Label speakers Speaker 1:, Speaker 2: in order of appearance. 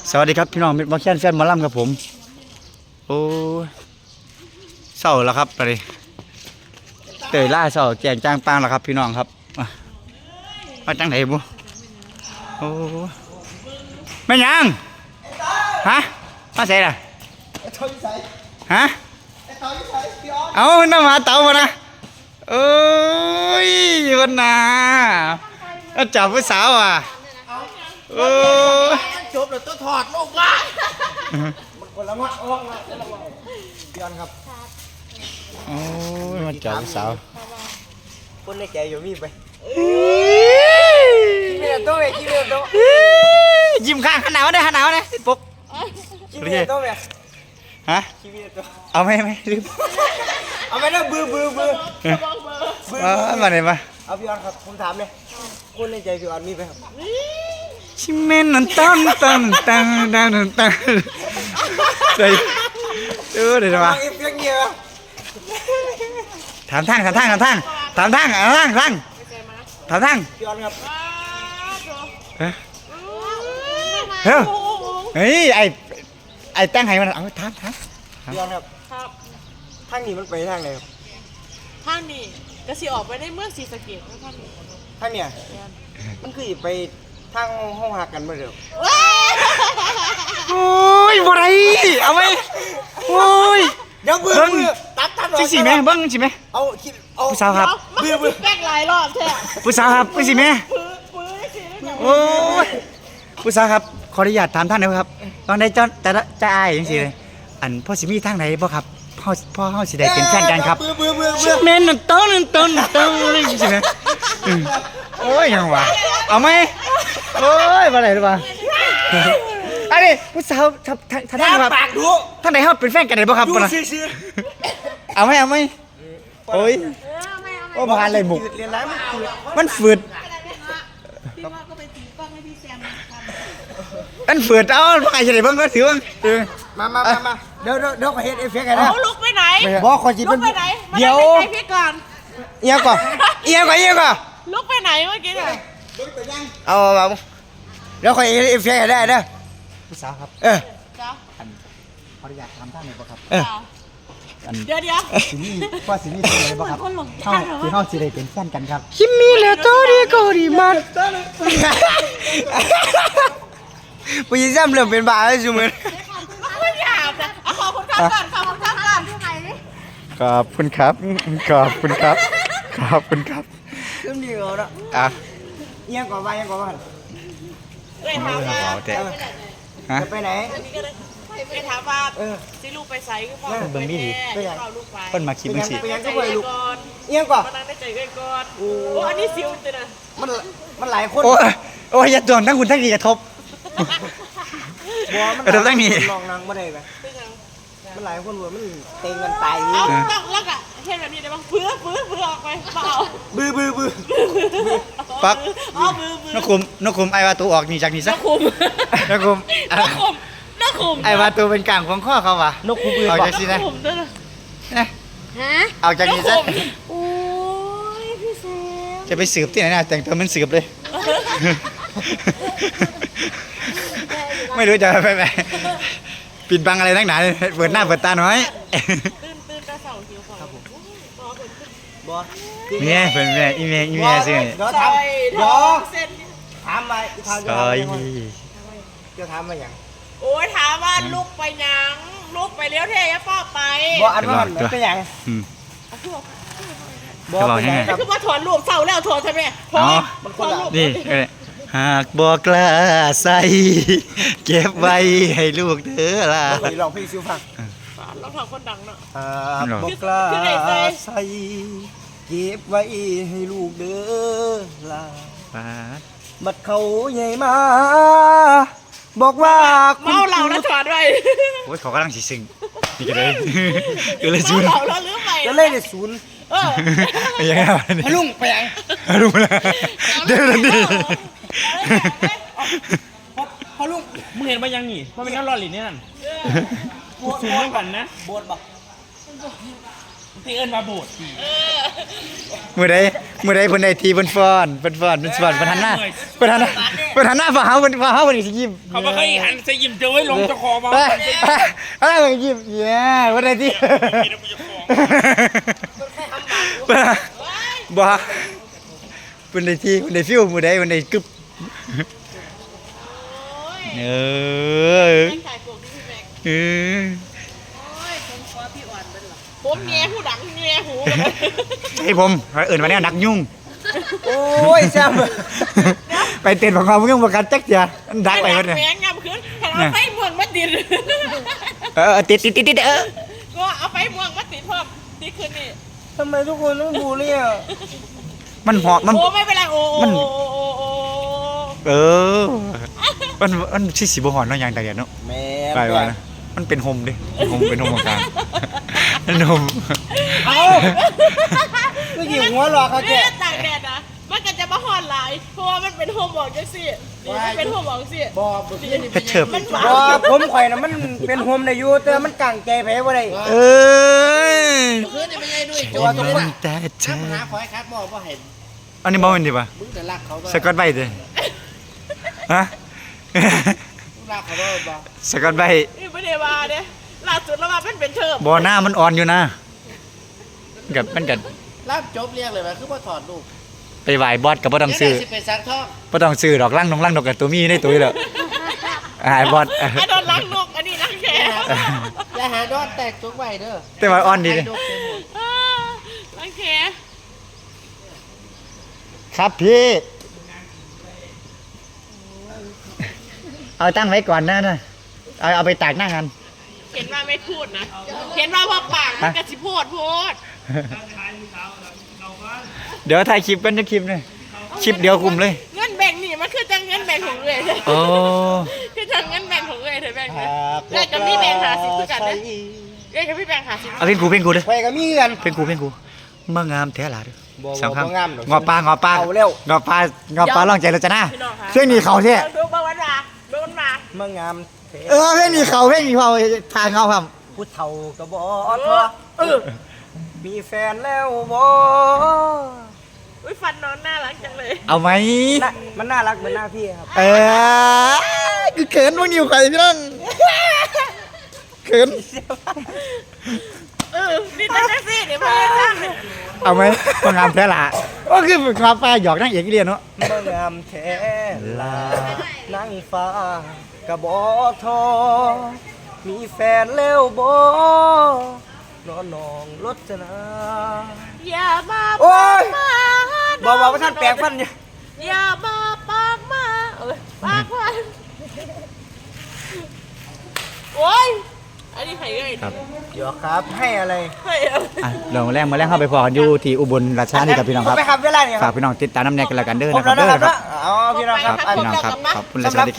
Speaker 1: สวัสดีครับพี่น้องมิตรบอลแคนแฟนหมอลำครับผมโอ้เศร้าแล้วครับไปเตยล่าเศร้าแจงจ้างปางแล้วครับพี่น้องครับมาจังไหนบุโอ้แม่ยังฮะมาใส่ล่ะฮะเอาน้ำมาเต่ามานะโอ้ยวันน่ะจับผู้สาวอ่ะโอ้
Speaker 2: จบแล้วต้องถอดลูกว่ามันคนละมัดออกมาย้อนครับ
Speaker 1: โอ้ยมันจับผู้สาว
Speaker 2: คนในใจอยู่มีไปกินเมียโต้ไหมกินเมียโต้
Speaker 1: ยิ้มข้างหนาวได้หนาวได้ปุ๊บ
Speaker 2: กินเมียโต้ไหม
Speaker 1: ฮะ
Speaker 2: กินเมียโต้
Speaker 1: เอาไหมลืม
Speaker 2: เอาไหมนะบื้อ
Speaker 1: มาไหนมา
Speaker 2: เอาพี่ออนครับผมถามเลยคนในใจพี่ออนมีไปครับ
Speaker 1: ชิเมนนั่นตั้งใส่เดี๋ยวมาถามทางพี่ออนครับเฮ้ยไอ้ตั้งให้มันเอาถาม
Speaker 2: พี่ออนครับทางนี้มันไปทางไหนครับ
Speaker 3: ทางนี้ก็สิออกไปในเมืองศรีสะเกษท
Speaker 2: างเนี่ยมันคือไปทางห้องหักกันเมื่อเดิม
Speaker 1: โอ้ยบ่ไรเอาไหมโอ้ย
Speaker 2: เดี๋ยวบื้อตัด
Speaker 1: จริงสิแม่เบิ้งสิแม่
Speaker 2: เอาคิดเอา
Speaker 1: ผู้สาวครับ
Speaker 3: บื้อแป้งหลายรอบแท้
Speaker 1: ผู้สาวครับจริงสิแม่โอ้ยผู้สาวครับขออนุญาตถามท่านนะครับตอนใดจะอายจริงสิเลยอันพ่อสิมีทางไหนบ่ครับพ่อเฮาสิได้เป็นแฟนกันครับแม่นต้นเลยจริงๆนะโอ้ยยังวะเอาไหมโอ้ยมาไหนหรือเปล่าอันนี้ผู้สาวท่านครับท่านไหนเขาเป็นแฟนกันไหนบ้างครับเอาไหมโอ้ยโอ้ผ่านเลยบุกมันฝืดมันฝืดเอาไปเฉยบ้างก็ถือบ้าง
Speaker 2: มาเดี๋ยวขอเฮ็ดเอฟเฟกต์ให้นะ
Speaker 3: เอาลุกไปไหน
Speaker 2: บอกขอจิตเป็นเดี๋ยว
Speaker 3: พี่ก่อน
Speaker 2: เอียก่อน
Speaker 3: ลุกไปไหนเมื่อกี้เนี่ย
Speaker 2: เอาเดี๋ยวขอเฮ็ดเอฟเฟกต์ให้ได้นะ
Speaker 1: ผู้สาวครับ
Speaker 3: จ้า
Speaker 1: ขออนุญาตถามท่านหน่อยบ่ครับ
Speaker 3: เดี๋ยว
Speaker 1: สินี่ว่าสินี่เป็นอะไรบ่ครับเฮาสิได้เป็นแฟนกันครับ
Speaker 2: คิมมี่แล้วโตดีก็ดีมากผู้หญิงซ้ำเริ่มเป็นบ้าแล้วจุ๊มึง
Speaker 3: ไม่อยากนะขอบคุณครับก่อนที่ไหนนี่
Speaker 1: ขอบคุณครับ
Speaker 2: ขึ้นดีกว่าแล้วเอียงกว่า
Speaker 3: เลยถามว่า
Speaker 2: จะไปไหน
Speaker 3: ไปถามว่าสิลูกไปไสก็พอ
Speaker 1: เบิ่งนี่ดิเพิ่นมาคิดมันสิ
Speaker 2: ไปยังก็ไปลูกเอียงกว่า
Speaker 3: มานั่งได้ใจกันก่อนโอ้อันนี้ซิวจ้ะนะ
Speaker 2: มันหลายคน
Speaker 1: โอ้ยอย่าโดนทั้งคุณทั้งดีกระทบ
Speaker 2: มันตั้งนี่ลองนั่งไม่ได้ไหมมันหลายคนมันเต็งกันตาย
Speaker 3: เอาแล้วก็เห็นแบบนี้ได้บ้างเพื่อออกไปเปล่า
Speaker 2: บื้อ
Speaker 1: ปักนกคุมไอ้วาตูออกนี่จากนี่ซะนกคุมไอ้วาตูเป็นกลางของข้อเขาวะ
Speaker 2: นกคุม
Speaker 1: ออกจากนี่นะออกจากนี่ซะ
Speaker 3: โอ้ยพี่แซม
Speaker 1: จะไปสืบที่ไหนนะแต่งตัวมันสืบเลยไม่รู้จะไปปิดบังอะไรนักหนาเปิดหน้าเปิดตาหน่อย
Speaker 3: ตื่นกระเสาหิวครับผม
Speaker 1: เมียเป็นอีเมียสิ
Speaker 2: เดี๋ยวถามมาจะถามมาอย่าง
Speaker 3: โอ้ยถามว่าลูกไปยังลูกไปเลี้ยวเทยป้าไป
Speaker 2: บอกอันว่ามันเป็นอย่าง
Speaker 1: บอกเป็นยังไง
Speaker 3: คือว่าถอนลูกเศร้าแล้วถอนทำไมถอน
Speaker 1: นี่หากบอกกล้าใส่เก็บไว้ให้ลูกเธอล่ะ
Speaker 2: ลองพี่ซิวฟัง
Speaker 3: ลองทำคนดังเนาะ
Speaker 2: บอกกล้าใส่เก็บไว้ให้ลูกเด้อล่ะบัดเขาใหญ่มาบอกว่า
Speaker 3: เมาเหล่าแล้วถอนไว้
Speaker 1: โอ้ยเขากำลังสิซึ่งนี่ก็เลยศูนย์
Speaker 3: เมาเหล่าแล้วลืมไป
Speaker 2: ก็เลยได้ศูนย์
Speaker 1: ยังไง
Speaker 2: พลุงไปยัง
Speaker 1: ลุงเลยเดี๋ยวนี่
Speaker 4: พอลุงมึงเห็นมายังนี่เพราะเป็นน้ำร้อนหลินนี่นั่นสูงเหมือนกันนะ
Speaker 2: โบดบอก
Speaker 4: ที่เอิ้นมาโบดสิ
Speaker 1: มื้อใดเพิ่นได้ทีเพิ่นฟ้อนเพิ่นหันหน้าเพิ่นหันหน้าฝ่าเฮาเพิ่นสิยิ้ม
Speaker 4: เขาบ่เคยหันใส่ยิ้มเจอไว้ลงเจ้าคอมา
Speaker 1: เอ้ยยิ้มแย่เพิ่นได้ทีบ่เพิ่นได้ทีเพิ่นได้ฟิลมื้อใดเพิ่นได้กึบเออ
Speaker 3: ถ่ายพวกที่พี่แม็ก
Speaker 1: เออ
Speaker 3: ผมแง่หูดังแง่หู
Speaker 1: ให้ผมเอิ้นว่าแนวนักยุ่ง
Speaker 2: โอ้ยแซ่บ
Speaker 1: ไปเต้นของเขาเพิ่งประกันจักเจ้าดักไปเพิ่น
Speaker 3: แมงยำขึ้นเอาไฟม่วงมาติด
Speaker 1: ติด
Speaker 3: ก็เอาไฟม่วงมาติดเพิ่มติดขึ้นนี่
Speaker 2: ทำไมทุกคนต้องบูลลี่อ่ะ
Speaker 1: มันเหาะมัน
Speaker 3: โอ้ไม่เป็นไรโอ้
Speaker 1: เออมันสิบ่หอนเนาะอย่างแต่เดียวเนาะ
Speaker 2: แม่
Speaker 1: ไปว่านะมันเป็นโฮมดิเป็นโฮมของกลางเป็นโฮม
Speaker 2: เอ้าก็หยิบหัวหลอกเขาแก
Speaker 3: ตากแดดนะมันก็จะมาหอนหลายเพราะว่ามันเป็นโฮมบอกจังสินี่มันเป็นโฮมบอกสิ
Speaker 1: เพชรเฉิบ
Speaker 3: มันหวา
Speaker 2: บ่ผมข่อยน่ะมันเป็นโฮมได้อยู่แต่มันกางใจไปบ่ได้
Speaker 1: เออ
Speaker 5: คืนนี่ไม่ใช่ด้วย
Speaker 1: โอ้ยแต่เธอ
Speaker 5: หาคอยคัดบอกว่าเห็น
Speaker 1: อันนี้บ่แม่นดิป่ะ
Speaker 5: มึงจะรักเขาบ้าง
Speaker 1: สกอตไบต์ดิฮะ
Speaker 5: มึงรักเขาบ้างบ้าง
Speaker 1: สกอตไบต์
Speaker 3: นี่ไม่ได้มาเนี่ยล่าสุดแล้วมาเป็นเทอม
Speaker 1: บ่หน้ามันอ่อนอยู่นะกับมันก็
Speaker 5: รับจบเรียกเลยว่าคือว่าถอดลูก
Speaker 1: ไปไหว้บอสก็บ่ต้องซื้อ
Speaker 5: สิไปซักท่อง
Speaker 1: บ่ต้องซื้อดอกลังนกกับตัวมีในตัวอยู่แล้วหายบอส
Speaker 3: อันโดนล้างนกอันนี้ล้างแขน
Speaker 5: อย่าหาดอนแตกจุกไว้เด้อ
Speaker 1: แต่ว่าอ่อนดีเด้
Speaker 3: ล้างแขน
Speaker 1: ครับพี่เอาตั้งไว้ก่อนนะเอาไปตากหน้างาน
Speaker 3: เห็นว่าไม่พูดนะเห็นว่าพอปากมันกระสิพูด
Speaker 1: เดี๋ยวถ่ายคลิปกันจะคลิปเลยคลิปเดียวคุมเลย
Speaker 3: เงินแบ่งนี่มันคือจังเงินแบ่งของเลย
Speaker 1: โอ้
Speaker 3: คือจังเงินแบ่งของเลยเธอแบ่งเลยแล้วกับพี่แบ่งหาสิบคือกันเลยเอ้ยกับพี่แบ่งหาสิบ
Speaker 1: เอาเพลงกูเลย
Speaker 2: ไปก็มีกัน
Speaker 1: เพลงกูมางามแท้หลาเด้อ
Speaker 2: บ่
Speaker 1: สองครั้ง
Speaker 2: บ่งามดอก
Speaker 1: งอปลา
Speaker 2: เอาเร็ว
Speaker 1: งอปลาลองใจเราจะหน้าเพลงนี้เขาแท้
Speaker 3: ดูบ้าวันมาดูวันมา
Speaker 2: มางามแท้
Speaker 1: เพลงนี้เขาทางเขาครับ
Speaker 2: ผู้เฒ่าก็บ่ท้อมีแฟนแล้วบ่
Speaker 3: อุ้ยฟันน้องน่ารักจังเลย
Speaker 1: เอาไหม
Speaker 2: น่ะมันน่ารักเหมือนหน้าพี่ครับ
Speaker 1: คือเขินพวกนิวใครพี่น้องเขิน
Speaker 3: นี่ตั้งแต่สิเดี๋ยวมาจ้าง
Speaker 1: เอาไหมมางามแท้หลาก็คือความฟ้าหยอกนั่งเอกเรียนเนาะ
Speaker 2: มางามแท้ลานั่งฟ้ากะบ่ทอมีแฟนแล้วบ่นอนน้องรจนา
Speaker 3: อย่ามา
Speaker 2: โอ้ย
Speaker 3: มา
Speaker 2: บอกว่าท่านแปลงฟันเนี่ย
Speaker 3: อย่ามาปากมาปากมาโอ้ยอันนี้ใครเอ่ย
Speaker 1: ครับ
Speaker 2: เดี๋ยวครับให้อะไร
Speaker 3: ใครเอ่ย
Speaker 1: เดี๋ยวมาแรงเข้าไปพอกันอยู่ที่อุบลราชธานีกับพี่น้องครับ
Speaker 2: ไปครับเวลาเนี่ยค
Speaker 1: ฝา
Speaker 2: รั
Speaker 1: ก
Speaker 2: บ
Speaker 1: พี่น้องติดตามน้ำแนกกันแล้วกันเด้อ
Speaker 2: ครบ
Speaker 1: นะค
Speaker 2: แล้
Speaker 1: รั
Speaker 2: ว
Speaker 1: บเด้
Speaker 2: นะ
Speaker 1: อ
Speaker 2: ครับ
Speaker 1: ครับ
Speaker 2: เอาพี่น้องครับ
Speaker 1: ครับพี่น้องครับขอบคุณและสวัสดีครับ